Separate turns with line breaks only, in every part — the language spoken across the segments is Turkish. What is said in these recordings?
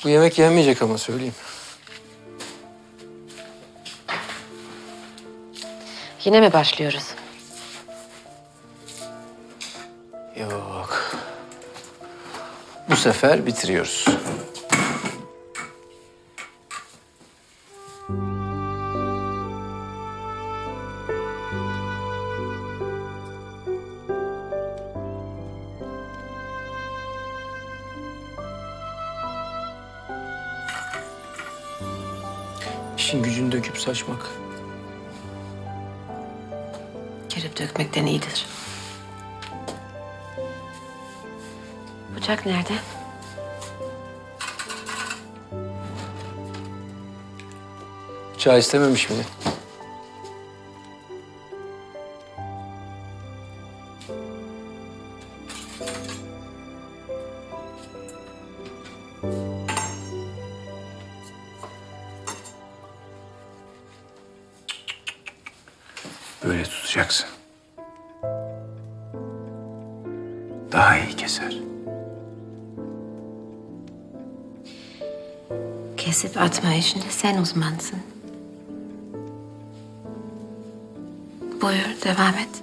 Bu yemek yenmeyecek ama söyleyeyim.
Yine mi başlıyoruz?
Yok. Bu sefer bitiriyoruz. İşin gücünü döküp saçmak.
Girip dökmekten iyidir. Bıçak nerede?
Çay istememiş miydi?
Böyle tutacaksın. Daha iyi keser.
Kesip atma işinde sen uzmansın. Buyur, devam et.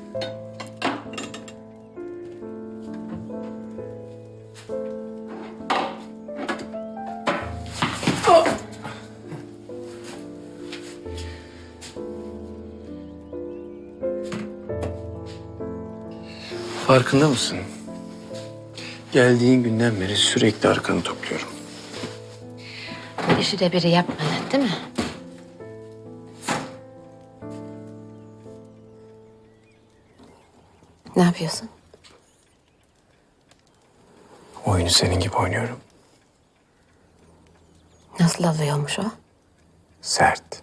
Farkında mısın? Geldiğin günden beri sürekli arkanı topluyorum.
Bu işi de biri yapmadı, değil mi? Ne yapıyorsun?
Oyunu senin gibi oynuyorum.
Nasıl alıyormuş o?
Sert.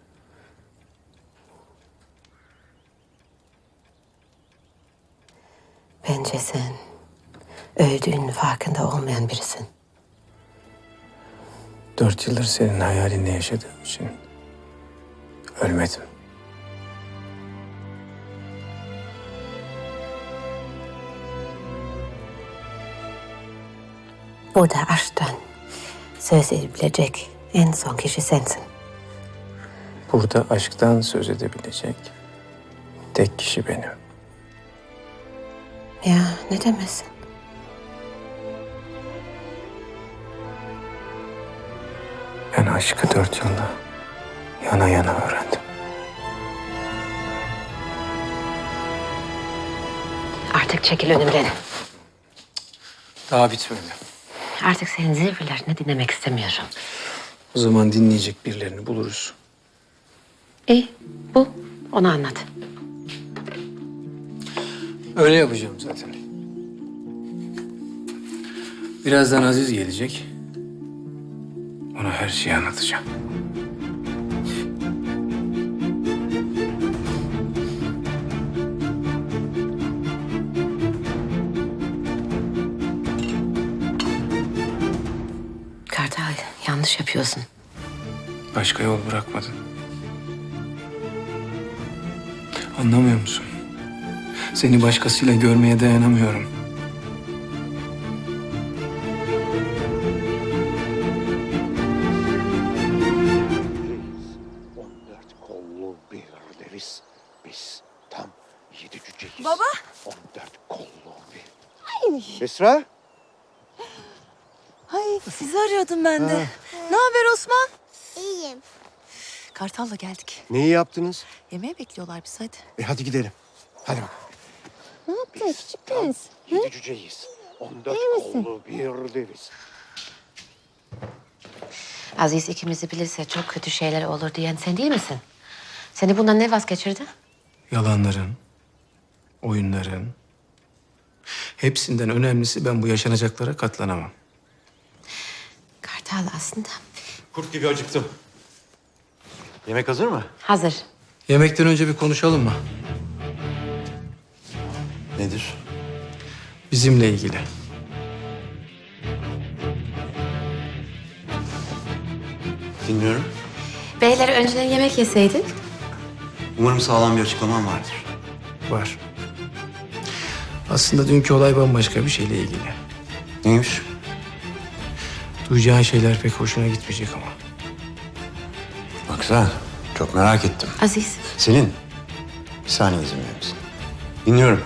Bence sen öldüğünün farkında olmayan birisin.
4 yıldır senin hayalinle yaşadığım için ölmedim.
Burada aşktan söz edebilecek en son kişi sensin.
Burada aşktan söz edebilecek tek kişi benim.
Ya ne demezsin?
Ben aşkı 4 yılda yana yana öğrendim.
Artık çekil önümden.
Daha bitmedi.
Artık senin zirvelerini dinlemek istemiyorum.
O zaman dinleyecek birilerini buluruz.
İyi, bu. Onu anlat.
Öyle yapacağım zaten. Birazdan Aziz gelecek.
Ona her şeyi anlatacağım.
Kartal, yanlış yapıyorsun.
Başka yol bırakmadın. Anlamıyor musun? Seni başkasıyla görmeye dayanamıyorum.
On dört kollu bir deriz. Biz tam 7 cüceyiz.
Baba.
14 kollu bir. Esra?
Ay sizi arıyordum ben de. Ne haber Osman?
İyiyim.
Kartal'la geldik.
Neyi yaptınız?
Yemeğe bekliyorlar biz hadi.
Hadi gidelim. Hadi bakalım.
Ne yaptın küçük prens?
7 cüceyiz. 14 kollu bir deriz.
Aziz ikimizi bilirse çok kötü şeyler olur diyen sen değil misin? Seni bundan ne vazgeçirdi?
Yalanların, oyunların... Hepsinden önemlisi ben bu yaşanacaklara katlanamam.
Kartal aslında
Kurt gibi acıktım. Yemek hazır mı?
hazır.
Yemekten önce bir konuşalım mı?
Nedir?
Bizimle ilgili.
Dinliyorum.
Beyler önceden yemek yeseydik.
Umarım sağlam bir açıklaman vardır.
Var. Aslında dünkü olay bambaşka bir şeyle ilgili.
Neymiş?
Duyacağın şeyler pek hoşuna gitmeyecek ama.
Bak sen, çok merak ettim.
Aziz,
Selin, bir saniye izin verir misin? Dinliyorum.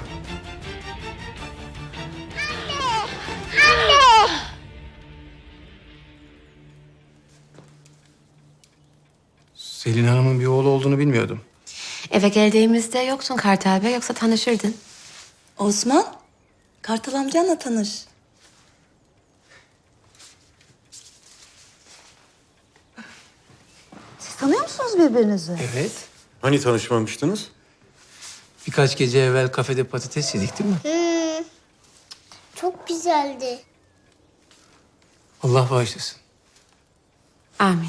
Selin Hanım'ın bir oğlu olduğunu bilmiyordum.
eve geldiğimizde yoksun Kartal Bey, yoksa tanışırdın.
Osman, Kartal amcanla tanış. Siz tanıyor musunuz birbirinizi?
Evet.
Hani tanışmamıştınız?
Birkaç gece evvel kafede patates yedik değil mi?
Çok güzeldi.
Allah bağışlasın.
Amin.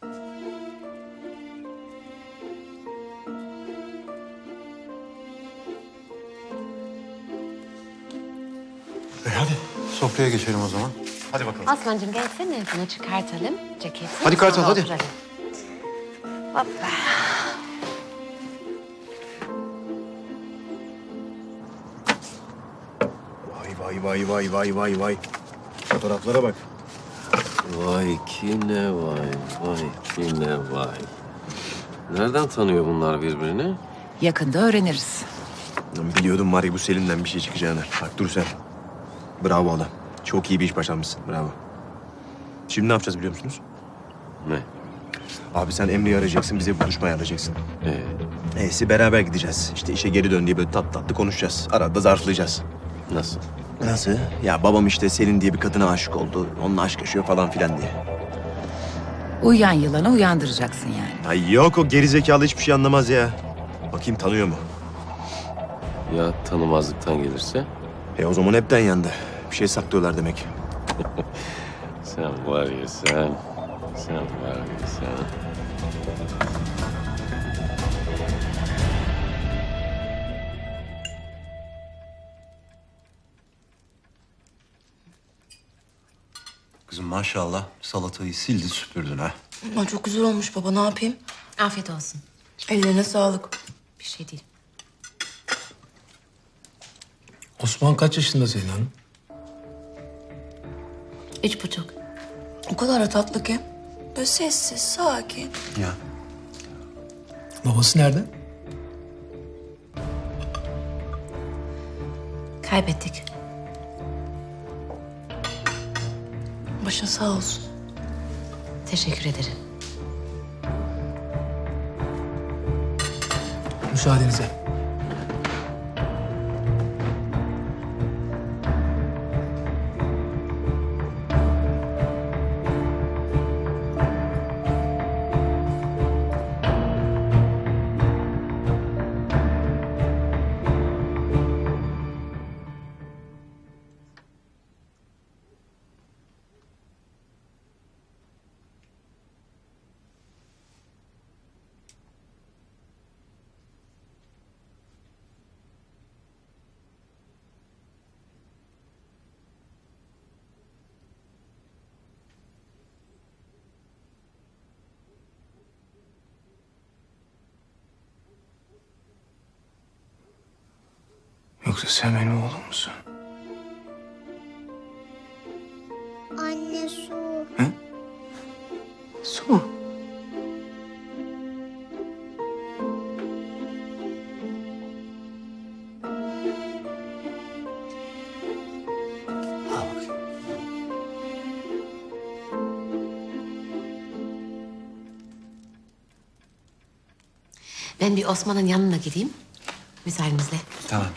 Hadi sofraya geçelim o zaman. Hadi bakalım.
Osman'cığım gelsene, bunu çıkartalım. Ceketi.
Hadi Kartal,
sonra
hadi.
oturalım. Hoppa.
Vay. Fotoğraflara bak.
Vay ki ne vay, vay ki ne vay. Nereden tanıyor bunlar birbirini?
Yakında öğreniriz.
Lan biliyordum var ya bu Selin'den bir şey çıkacağını. Bak dur sen. Bravo adam. Çok iyi bir iş başarmışsın. Bravo. Şimdi ne yapacağız biliyor musunuz?
Ne?
Abi sen Emre'yi arayacaksın, bize bir buluşma ayarlayacaksın.
Ee,
Neyse beraber gideceğiz. İşte işe geri dön diye böyle tatlı konuşacağız. Arada zarflayacağız.
nasıl?
Nasıl? Ya babam işte Selin diye bir kadına aşık oldu. Onunla aşk yaşıyor falan filan diye.
Uyuyan yılanı uyandıracaksın yani.
Ay yok o gerizekalı hiçbir şey anlamaz ya. Bakayım tanıyor mu?
Ya tanımazlıktan gelirse?
O zaman hepten yandı. Bir şey saklıyorlar demek.
Sen var ya sen. Sen var ya sen.
Kızım maşallah salatayı sildi süpürdün ha.
Aman çok güzel olmuş baba, ne yapayım?
Afiyet olsun.
Ellerine sağlık.
Bir şey değil.
Osman kaç yaşında Selin Hanım?
3,5.
O kadar da tatlı ki. Böyle sessiz, sakin.
Ya.
Babası nerede?
Kaybettik.
Başın sağ olsun.
Teşekkür ederim.
Müsaadenizle. Yoksa sen benim oğlum musun?
Anne su.
Su mu? Al bakayım.
Ben bir Osman'ın yanına gideyim. Müsaadenizle.
Tamam.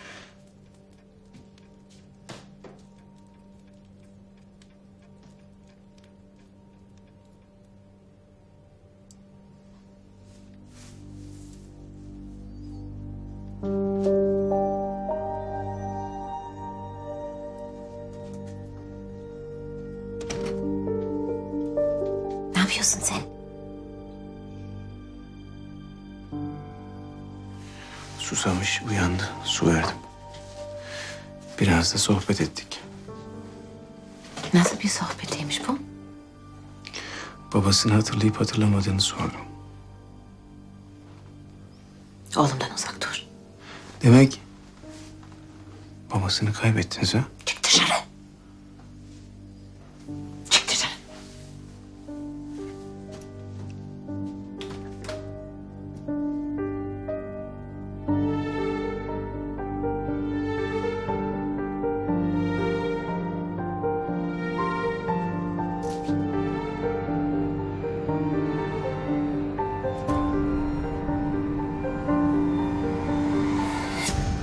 Ne yapıyorsun sen?
Susamış, uyandı. Su verdim. Biraz da sohbet ettik.
Nasıl bir sohbetiymiş bu?
Babasını hatırlayıp hatırlamadığını sordum.
Oğlumdan uzak dur.
Demek babasını kaybettiniz ha?
Çık dışarı. Çık dışarı.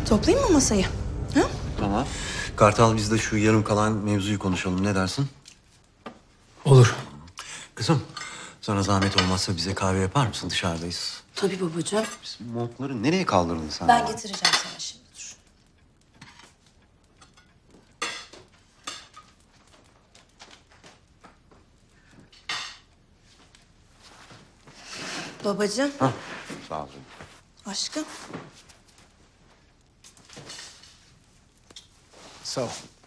Toplayayım mı masayı? Ha?
Tamam. Kartal biz de şu yarım kalan mevzuyu konuşalım. Ne dersin?
Olur.
Kızım sana zahmet olmazsa bize kahve yapar mısın? Dışarıdayız.
Tabii babacığım.
Biz montları nereye kaldırdın sen?
Ben getireceğim sana şimdi, dur. Babacığım,
Hah, sağ ol.
aşkım.
Sağ ol.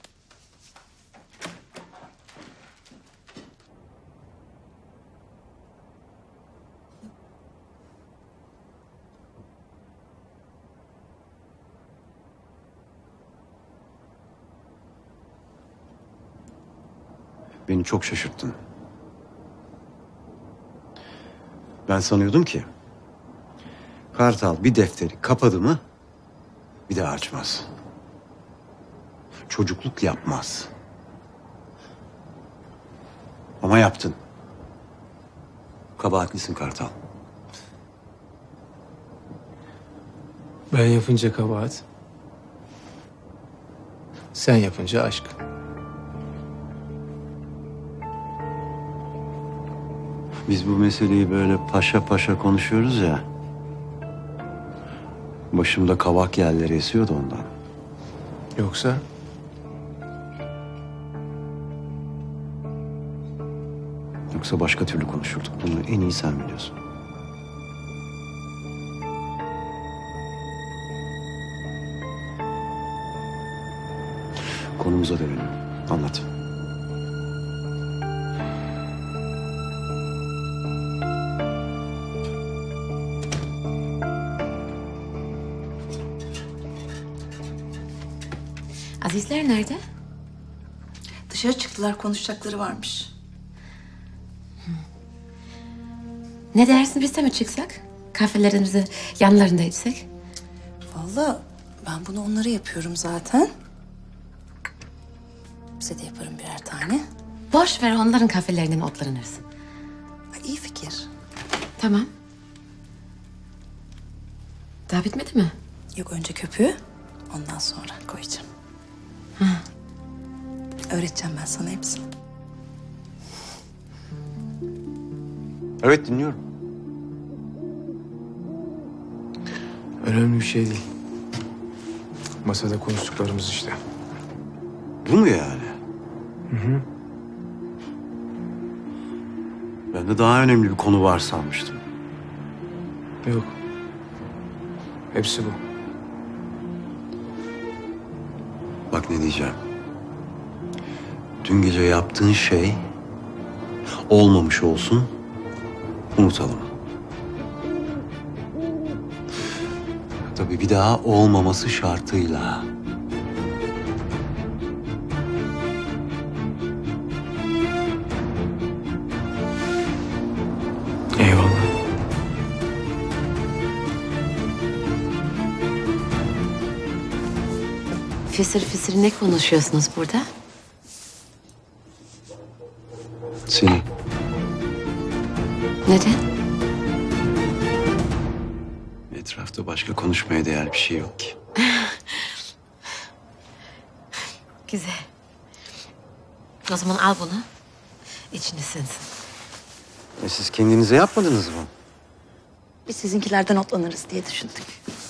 Beni çok şaşırttın. Ben sanıyordum ki Kartal bir defteri kapadı mı bir daha açmaz. Çocukluk yapmaz. Ama yaptın. Kabahatlisin Kartal.
Ben yapınca kabahat. Sen yapınca aşk.
Biz bu meseleyi böyle paşa paşa konuşuyoruz ya. Başımda kavak yerleri esiyordu ondan.
Yoksa
Yoksa başka türlü konuşurduk. Bunu en iyi sen biliyorsun. Konumuza dönelim. Anlat.
Azizler nerede?
Dışarı çıktılar, konuşacakları varmış.
Ne dersin biz de mi çıksak? Kahvelerimizi yanlarında içsek?
Vallahi ben bunu onlara yapıyorum zaten. Bize de yaparım birer tane.
Boş ver onların kahvelerinden otlanırsın.
Ay, iyi fikir.
Tamam. Daha bitmedi mi?
Yok, önce köpüğü, ondan sonra koyacağım. Öğreteceğim ben sana hepsini.
Evet dinliyorum.
önemli bir şey değil. Masada konuştuklarımız işte.
Bu mu yani? Ben de daha önemli bir konu var sanmıştım.
Yok. Hepsi bu.
Bak ne diyeceğim. Dün gece yaptığın şey olmamış olsun, unutalım. Tabii bir daha olmaması şartıyla.
Eyvallah.
Fısır fısır ne konuşuyorsunuz burada?
Seni.
Neden?
Etrafta başka konuşmaya değer bir şey yok ki.
Güzel. O zaman al bunu. İçini sinsin.
Siz kendinize yapmadınız mı?
Biz sizinkilerden otlanırız diye düşündük.